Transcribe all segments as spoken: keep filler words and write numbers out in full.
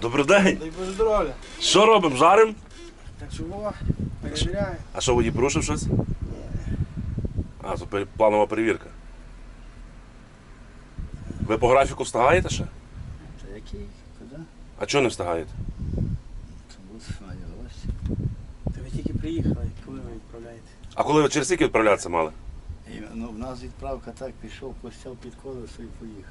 Добрий день. Дай Боже здоров'я. Що робимо? Жаримо? Так чого? Перевіряю. А що, водій порушив щось? А, то пер- планова перевірка. Ви по графіку встигаєте ще? Та який? Куди? А чого не встигаєте? Тому маю гості. Та ви тільки приїхали, коли ви відправляєте? А коли ви через скільки відправлятися мали? І, ну, в нас відправка так, пішов, постяв під колесо і поїхав.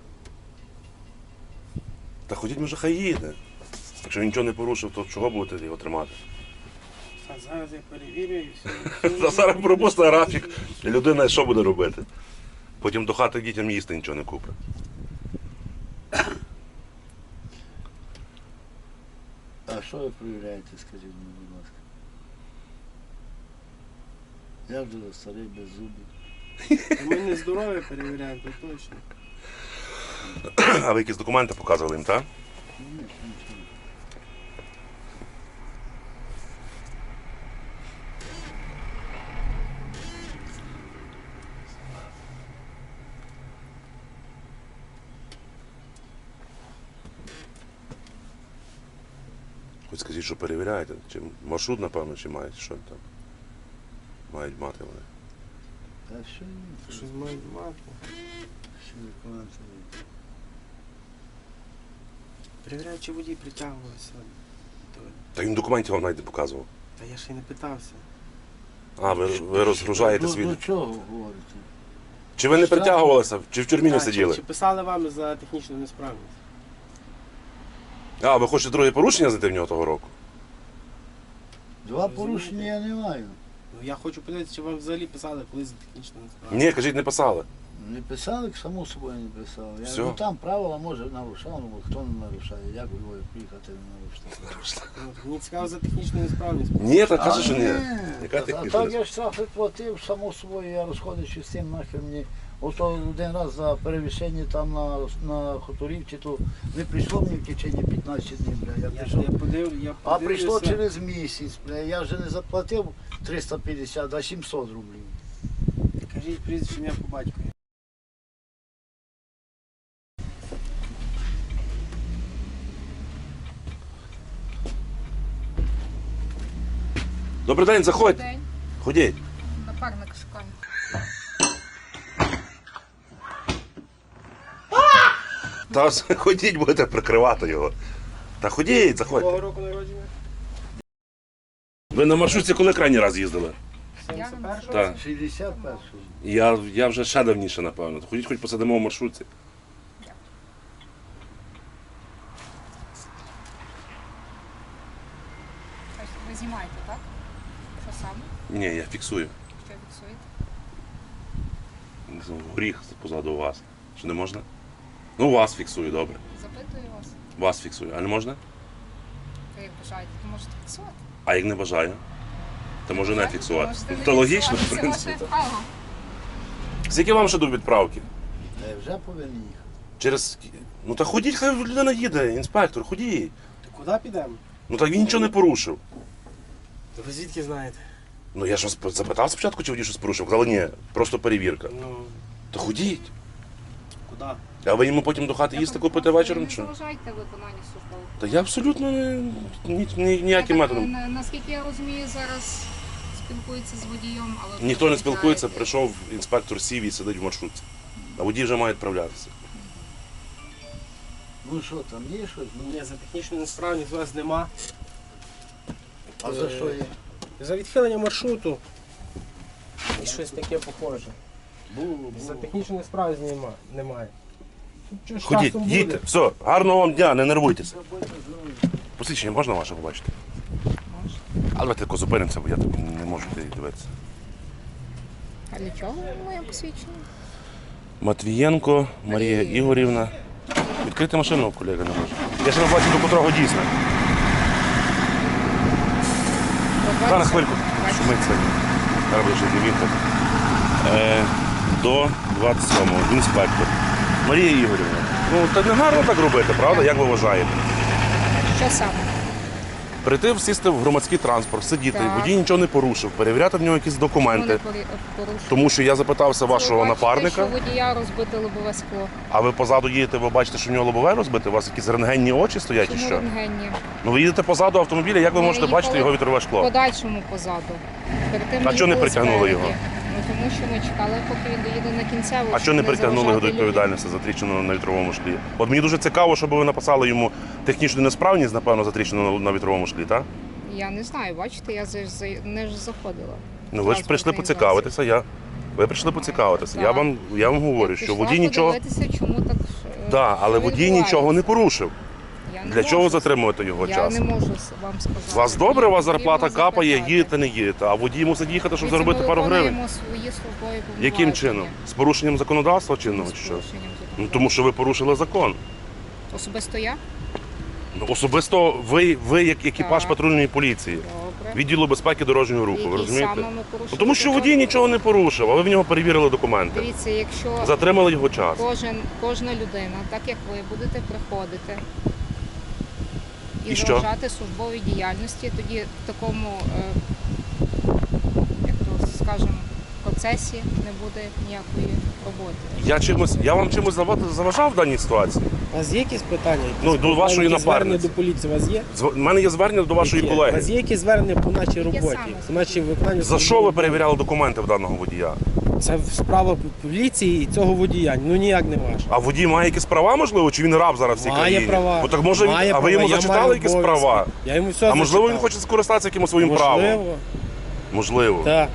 Та ходіть, може, хай їде. Якщо він нічого не порушив, то чого будете його тримати? А зараз я перевірю і все. Та зараз пропусти графік. І людина що буде робити? Потім до хати дітям їсти нічого не купить. А що ви перевіряєте, скажіть мені, будь ласка? Я вже старий, без зубів. Ми не здоров'я перевіряємо, то точно. А ви якісь документи показували їм, так? Ні, нічого. Хоч скажіть, що перевіряєте. Чи маршрут, напевно, чи мають, що там? Мають мати вони. Та що ні? Щось мають мати. Що документи? Перевіряю, чи водій притягувався. То- Та він документів вам навіть не показував. Та я ще й не питався. А, ви, ви розгружаєте До, свій. до чого говорите? Чи ви не притягувалися, чи в тюрмі не А, чи, сиділи? чи писали вам за технічну несправність? А, ви хочете друге порушення знайти в нього того року? Два порушення я не маю. Ну я хочу подивитися, чи вам взагалі писали колись за технічну несправність. Ні, кажіть, не писали. Не писали, само собою не писали. Я, Всьо. ну, там правила, може, нарушав, ну хто не нарушає, як у Львові приїхати не нарушити. Ну, мені цікаво за технічну несправність. Ні, так каже, що ні. ні. Яка А технічна так я штрафи платив, само собою, я розходячи з тим, нахер мені. Ото один раз за перевищення там на, на Хуторівці, то не прийшло мені в течение п'ятнадцять днів, бля. Я Я, прийшов. я подив, я А прийшло подивлюся. через місяць, бля. Я вже не заплатив триста п'ятдесят, а сімсот рублів. Кажіть прізвище, ім'я по батькові. Добрий день, заходьте. День. Ходіть. Напарник шукає. Та ходіть, будете прикривати його. Та ходіть, заходьте. Якого року народження? Ви на маршрутці коли крайній раз їздили? сімдесят першого? Так. шістдесят першого. Я, я вже ще давніше, напевно. Ходіть, хоч посидимо в маршрутці. Тобто ви знімаєте, так? Що саме? Ні, я фіксую. Що фіксуєте? Горіх позаду вас. Що не можна? Ну, вас фіксую, добре. Запитую вас. Вас фіксую. А не можна? Ви як бажаєте, то можете фіксувати. А як не бажаю? То можу не Бажаєте, фіксувати. можете не То логічно, в фіксувати, це принципі. ваше право. Скільки вам ще до відправки? Та я вже повинен їхати. Через. Ну та ходіть, хай людина їде, інспектор, ходіть. То куди підемо? Ну так він нічого не порушив. То ви звідки знаєте? Ну я ж вас запитав спочатку, чи водій щось порушив. Казали, ні, просто перевірка. Ну, То ходіть. куди? А ви йому потім до хати їсти купити вечором Не чи? заважайте виконання службових. Та я абсолютно не- ні, ні, Я ніяким так, методом. на- Наскільки я розумію, зараз спілкується з водієм, але... Ніхто не спілкується, ви прийшов інспектор сів і сидить в маршрутці. А водій вже має відправлятися. Ну що, там є щось? Ну, Ні, за технічну несправність у вас нема. а за що є? За відхилення маршруту. І щось таке похоже. Було, За було. технічну несправність нема, немає. Тут що ж Ходіть, часом буде? їдьте, все, гарного вам дня, не нервуйтеся. Будьте здорові. Посвідчення можна ваше побачити? Можете. Але давайте тако зупинимося, бо я так не можу дивитися. А для чого моє посвідчення? Матвієнко Марія Ігорівна. Відкрити машину, колега, не може. Я ще не бачу, до котрого дійсно. Зараз хвильку. Шумить це. Зараз буде ще дивіться. Е, До двадцять сьомого. Інспектор. Марія Ігорівна. Ну, так не гарно так робити, правда? Як ви вважаєте? Що саме? Прийти, сісти в громадський транспорт, сидіти, Так. водій нічого не порушив, перевіряти в нього якісь Чому документи. не порі- порушили? Тому що я запитався Ви вашого бачите, напарника, що водія розбите лобове скло. а ви позаду їдете, ви бачите, що в нього лобове розбите, у вас якісь рентгенні очі стоять і Чому що? рентгенні? Ну ви їдете позаду автомобіля, як ви Ми можете їхали бачити його вітрове шкло? Подальшому позаду. Перед тим А ми чого не їхали притягнули спереді. його? Ну тому що ми чекали, поки він доїде на кінцеву. А щоб що не притягнули його до заважати людям. відповідальності за тріщину на вітровому шклі? От мені дуже цікаво, щоб ви написали йому технічну несправність, напевно, за тріщину на- на вітровому шклі, так? Я не знаю, бачите, я за- за- не ж заходила. Ну ви ж прийшли Транспортний поцікавитися, я. Ви прийшли поцікавитися. Я Так. вам, я вам говорю, Я що пішла водій нічого. подивитися, чому так. е, Так, але що водій відбувається. нічого не порушив. Я не Для чого можу. затримувати його Я час? не можу с- вам сказати. У вас добре, у вас Потрібно зарплата капає, запитати. їдете, не їдете, а водій мусить їхати, щоб Дивіться, заробити ми пару гривень. виконуємо свої службові Яким повноваження. чином? З порушенням законодавства чинного З чи що? порушенням Ну закону. тому що ви порушили закон. Особисто я? Ну, особисто ви, ви як екіпаж Так. патрульної поліції, Добре. відділу безпеки дорожнього руху, ви Який розумієте? саме ми порушили Ну, тому що закон? водій нічого не порушив, а ви в нього перевірили документи. Дивіться, якщо Затримали його час. кожен, кожна людина, так як ви, будете приходити і, І що? заважати службовій діяльності, тоді в такому, е, як то скажемо, процесі не буде ніякої роботи. Я чимось, я вам чимось зава- заважав в даній ситуації. У вас є якісь питання? Якісь Ну, до питання, вашої якісь звернення напарниці. до поліції у вас є? З- У мене є звернення до вашої Які? У колеги. вас є якісь звернення по нашій роботі, саме? по нашій виконанні? За що ви перевіряли документи в даного водія? Це справа поліції і цього водія. Ну ніяк не ваш. А водій має якісь права, можливо, чи він раб зараз в цій Має країні? права. Ну так може він, Має а ви права, йому я зачитали маю якісь обов'язки. права? Я йому все А можливо він зачитав. хоче скористатися якимось своїм правом? Можливо, Можливо. так.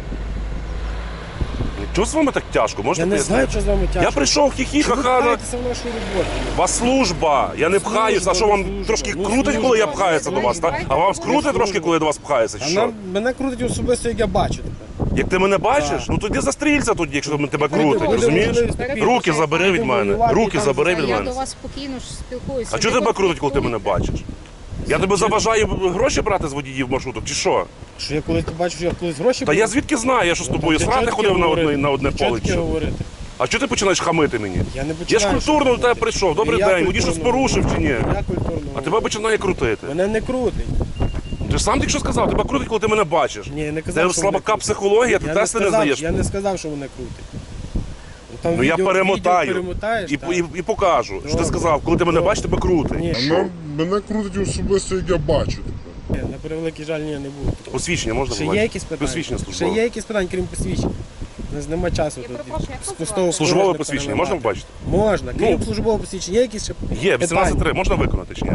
Чого з вами так тяжко? Можете Я не знаю, пояснити? що з вами тяжко. Я прийшов Чи ви хі-хі-ха-ха. пхаєтеся в нашу роботу? У вас служба, я не пхаюся. А що вам служба, трошки ну, крутить, служба. коли я пхаюся до вас? Так? А вам скрутить служба. трошки, коли я до вас пхаюся? А чи Що? нам, мене крутить особисто, як я бачу тепер. Як ти мене бачиш, Так. ну тоді застрілься тоді, якщо тебе Буде- крутить, буде розумієш? можливість спокійно Руки забери від будемо мене, воювати, руки і там забери за- від Я мене. до вас спокійно ж спілкуюся. А Ви чого тебе от крутить, коли ти мене слідкуєте. бачиш? Я тебе заважаю гроші брати з водіїв маршруток, чи що? Що я колись бачу, що я колись гроші Та я брав? звідки знаю, я що з тобою Та срати чого ходив таке на говорити? одне, на одне Чого поле? таке чи що? говорити? А чого ти починаєш хамити мені? Я не Я ж починаю. культурно до тебе прийшов. Добрий Я день, водій щось культурно порушив чи ні? Я культурно. А тебе починає крутити. Мене не крутить. Ти ж сам тільки що сказав, тебе крутить, коли ти мене бачиш. Ні, я не казав, Це що мене слабака крутить. психологія, ти Я тести не сказав, здаєш. Я не сказав, що мене крутить. Ну, там Ну я відео- перемотаю відео перемотаєш, і, так. і, і покажу, що ти Добре. сказав, коли ти мене Добре. бачиш, тебе крутить. Ні, Мене, мене крутить особисто, як я бачу. ні, на превеликий жаль, ні, не буду. Посвідчення можна Ще є побачити? якісь питання? Посвідчення Ще службове. є якісь питання, крім посвідчень? У нас нема часу Я тут. перепрошую, як з вас пустого звати? Службове порожня посвідчення можна переливати. побачити? Можна. Крім Ну. службового посвідчення, є якісь ще Є, вісімнадцять три, можна виконати чи ні? Я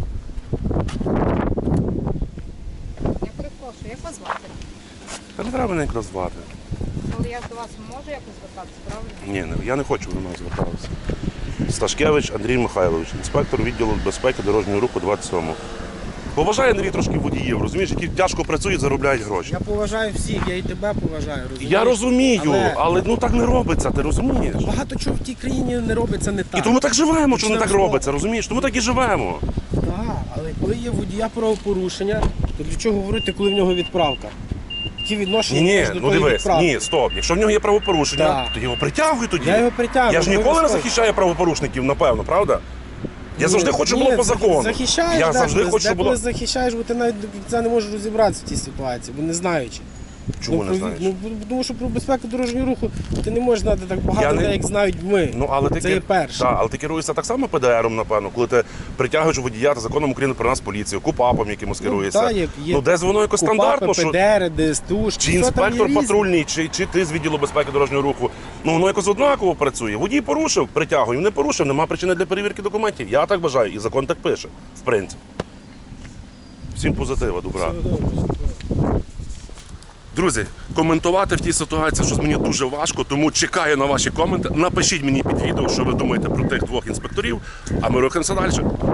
перепрошую, як вас звати? Та не треба мене якраз звати. Але я до вас можу якось звертатися, правильно? Ні, не- я не хочу до мене звертатися. Сташкевич Андрій Михайлович, інспектор відділу безпеки дорожнього руху двадцять сьомого. Поважає Андрій трошки водіїв, розумієш, які тяжко працюють, заробляють гроші. Я поважаю всіх, я і тебе поважаю. Розумієш? Я розумію, Але- але ну так не робиться, ти розумієш? Багато чого в тій країні не робиться не так. І тому так живемо, що не Почнемо так з того. робиться, розумієш? Тому так і живемо. Так, але коли є водія правопорушення, то для чого говорити, коли в нього відправка? Які відношення Ні, ні, маєш до ну тої дивись, відправки? ні, стоп. Якщо в нього є правопорушення, Так. то його притягуй тоді. Я його притягую. Я ж ніколи не обов'язково. захищаю правопорушників, напевно, правда? Я завжди Ні, хочу, щоб ні, було по захи- закону. Захищаєш, Я деколи, завжди хочу, щоб деколи було. захищаєш, бо ти навіть до кінця не можеш розібратися в тій ситуації, бо не знаючи. Чому ну, не про- знаєш? Ну, бо- тому що про безпеку дорожнього руху ти не можеш знати так багато Я не- людей, як знають ми. Ну, але ти Це кер- є перше. Так, але ти керуєшся так само Пе Де Ером, напевно, коли ти притягуєш водія та законом України про нас поліцію, КУПАПом якимось керуєшся. та, є- є Ну, десь воно якось стандартно, що Пе Де Ери, Де Ес Те У, чи інспектор патрульний, чи, чи ти з відділу безпеки дорожнього руху, ну воно якось однаково працює. Водій порушив, притягуємо, не порушив, нема причини для перевірки документів. Я так вважаю, і закон так пише, в принципі. Всім позитива, добра. Друзі, коментувати в тій ситуації, що мені дуже важко, тому чекаю на ваші коменти. Напишіть мені під відео, що ви думаєте про тих двох інспекторів, а ми рухаємося далі.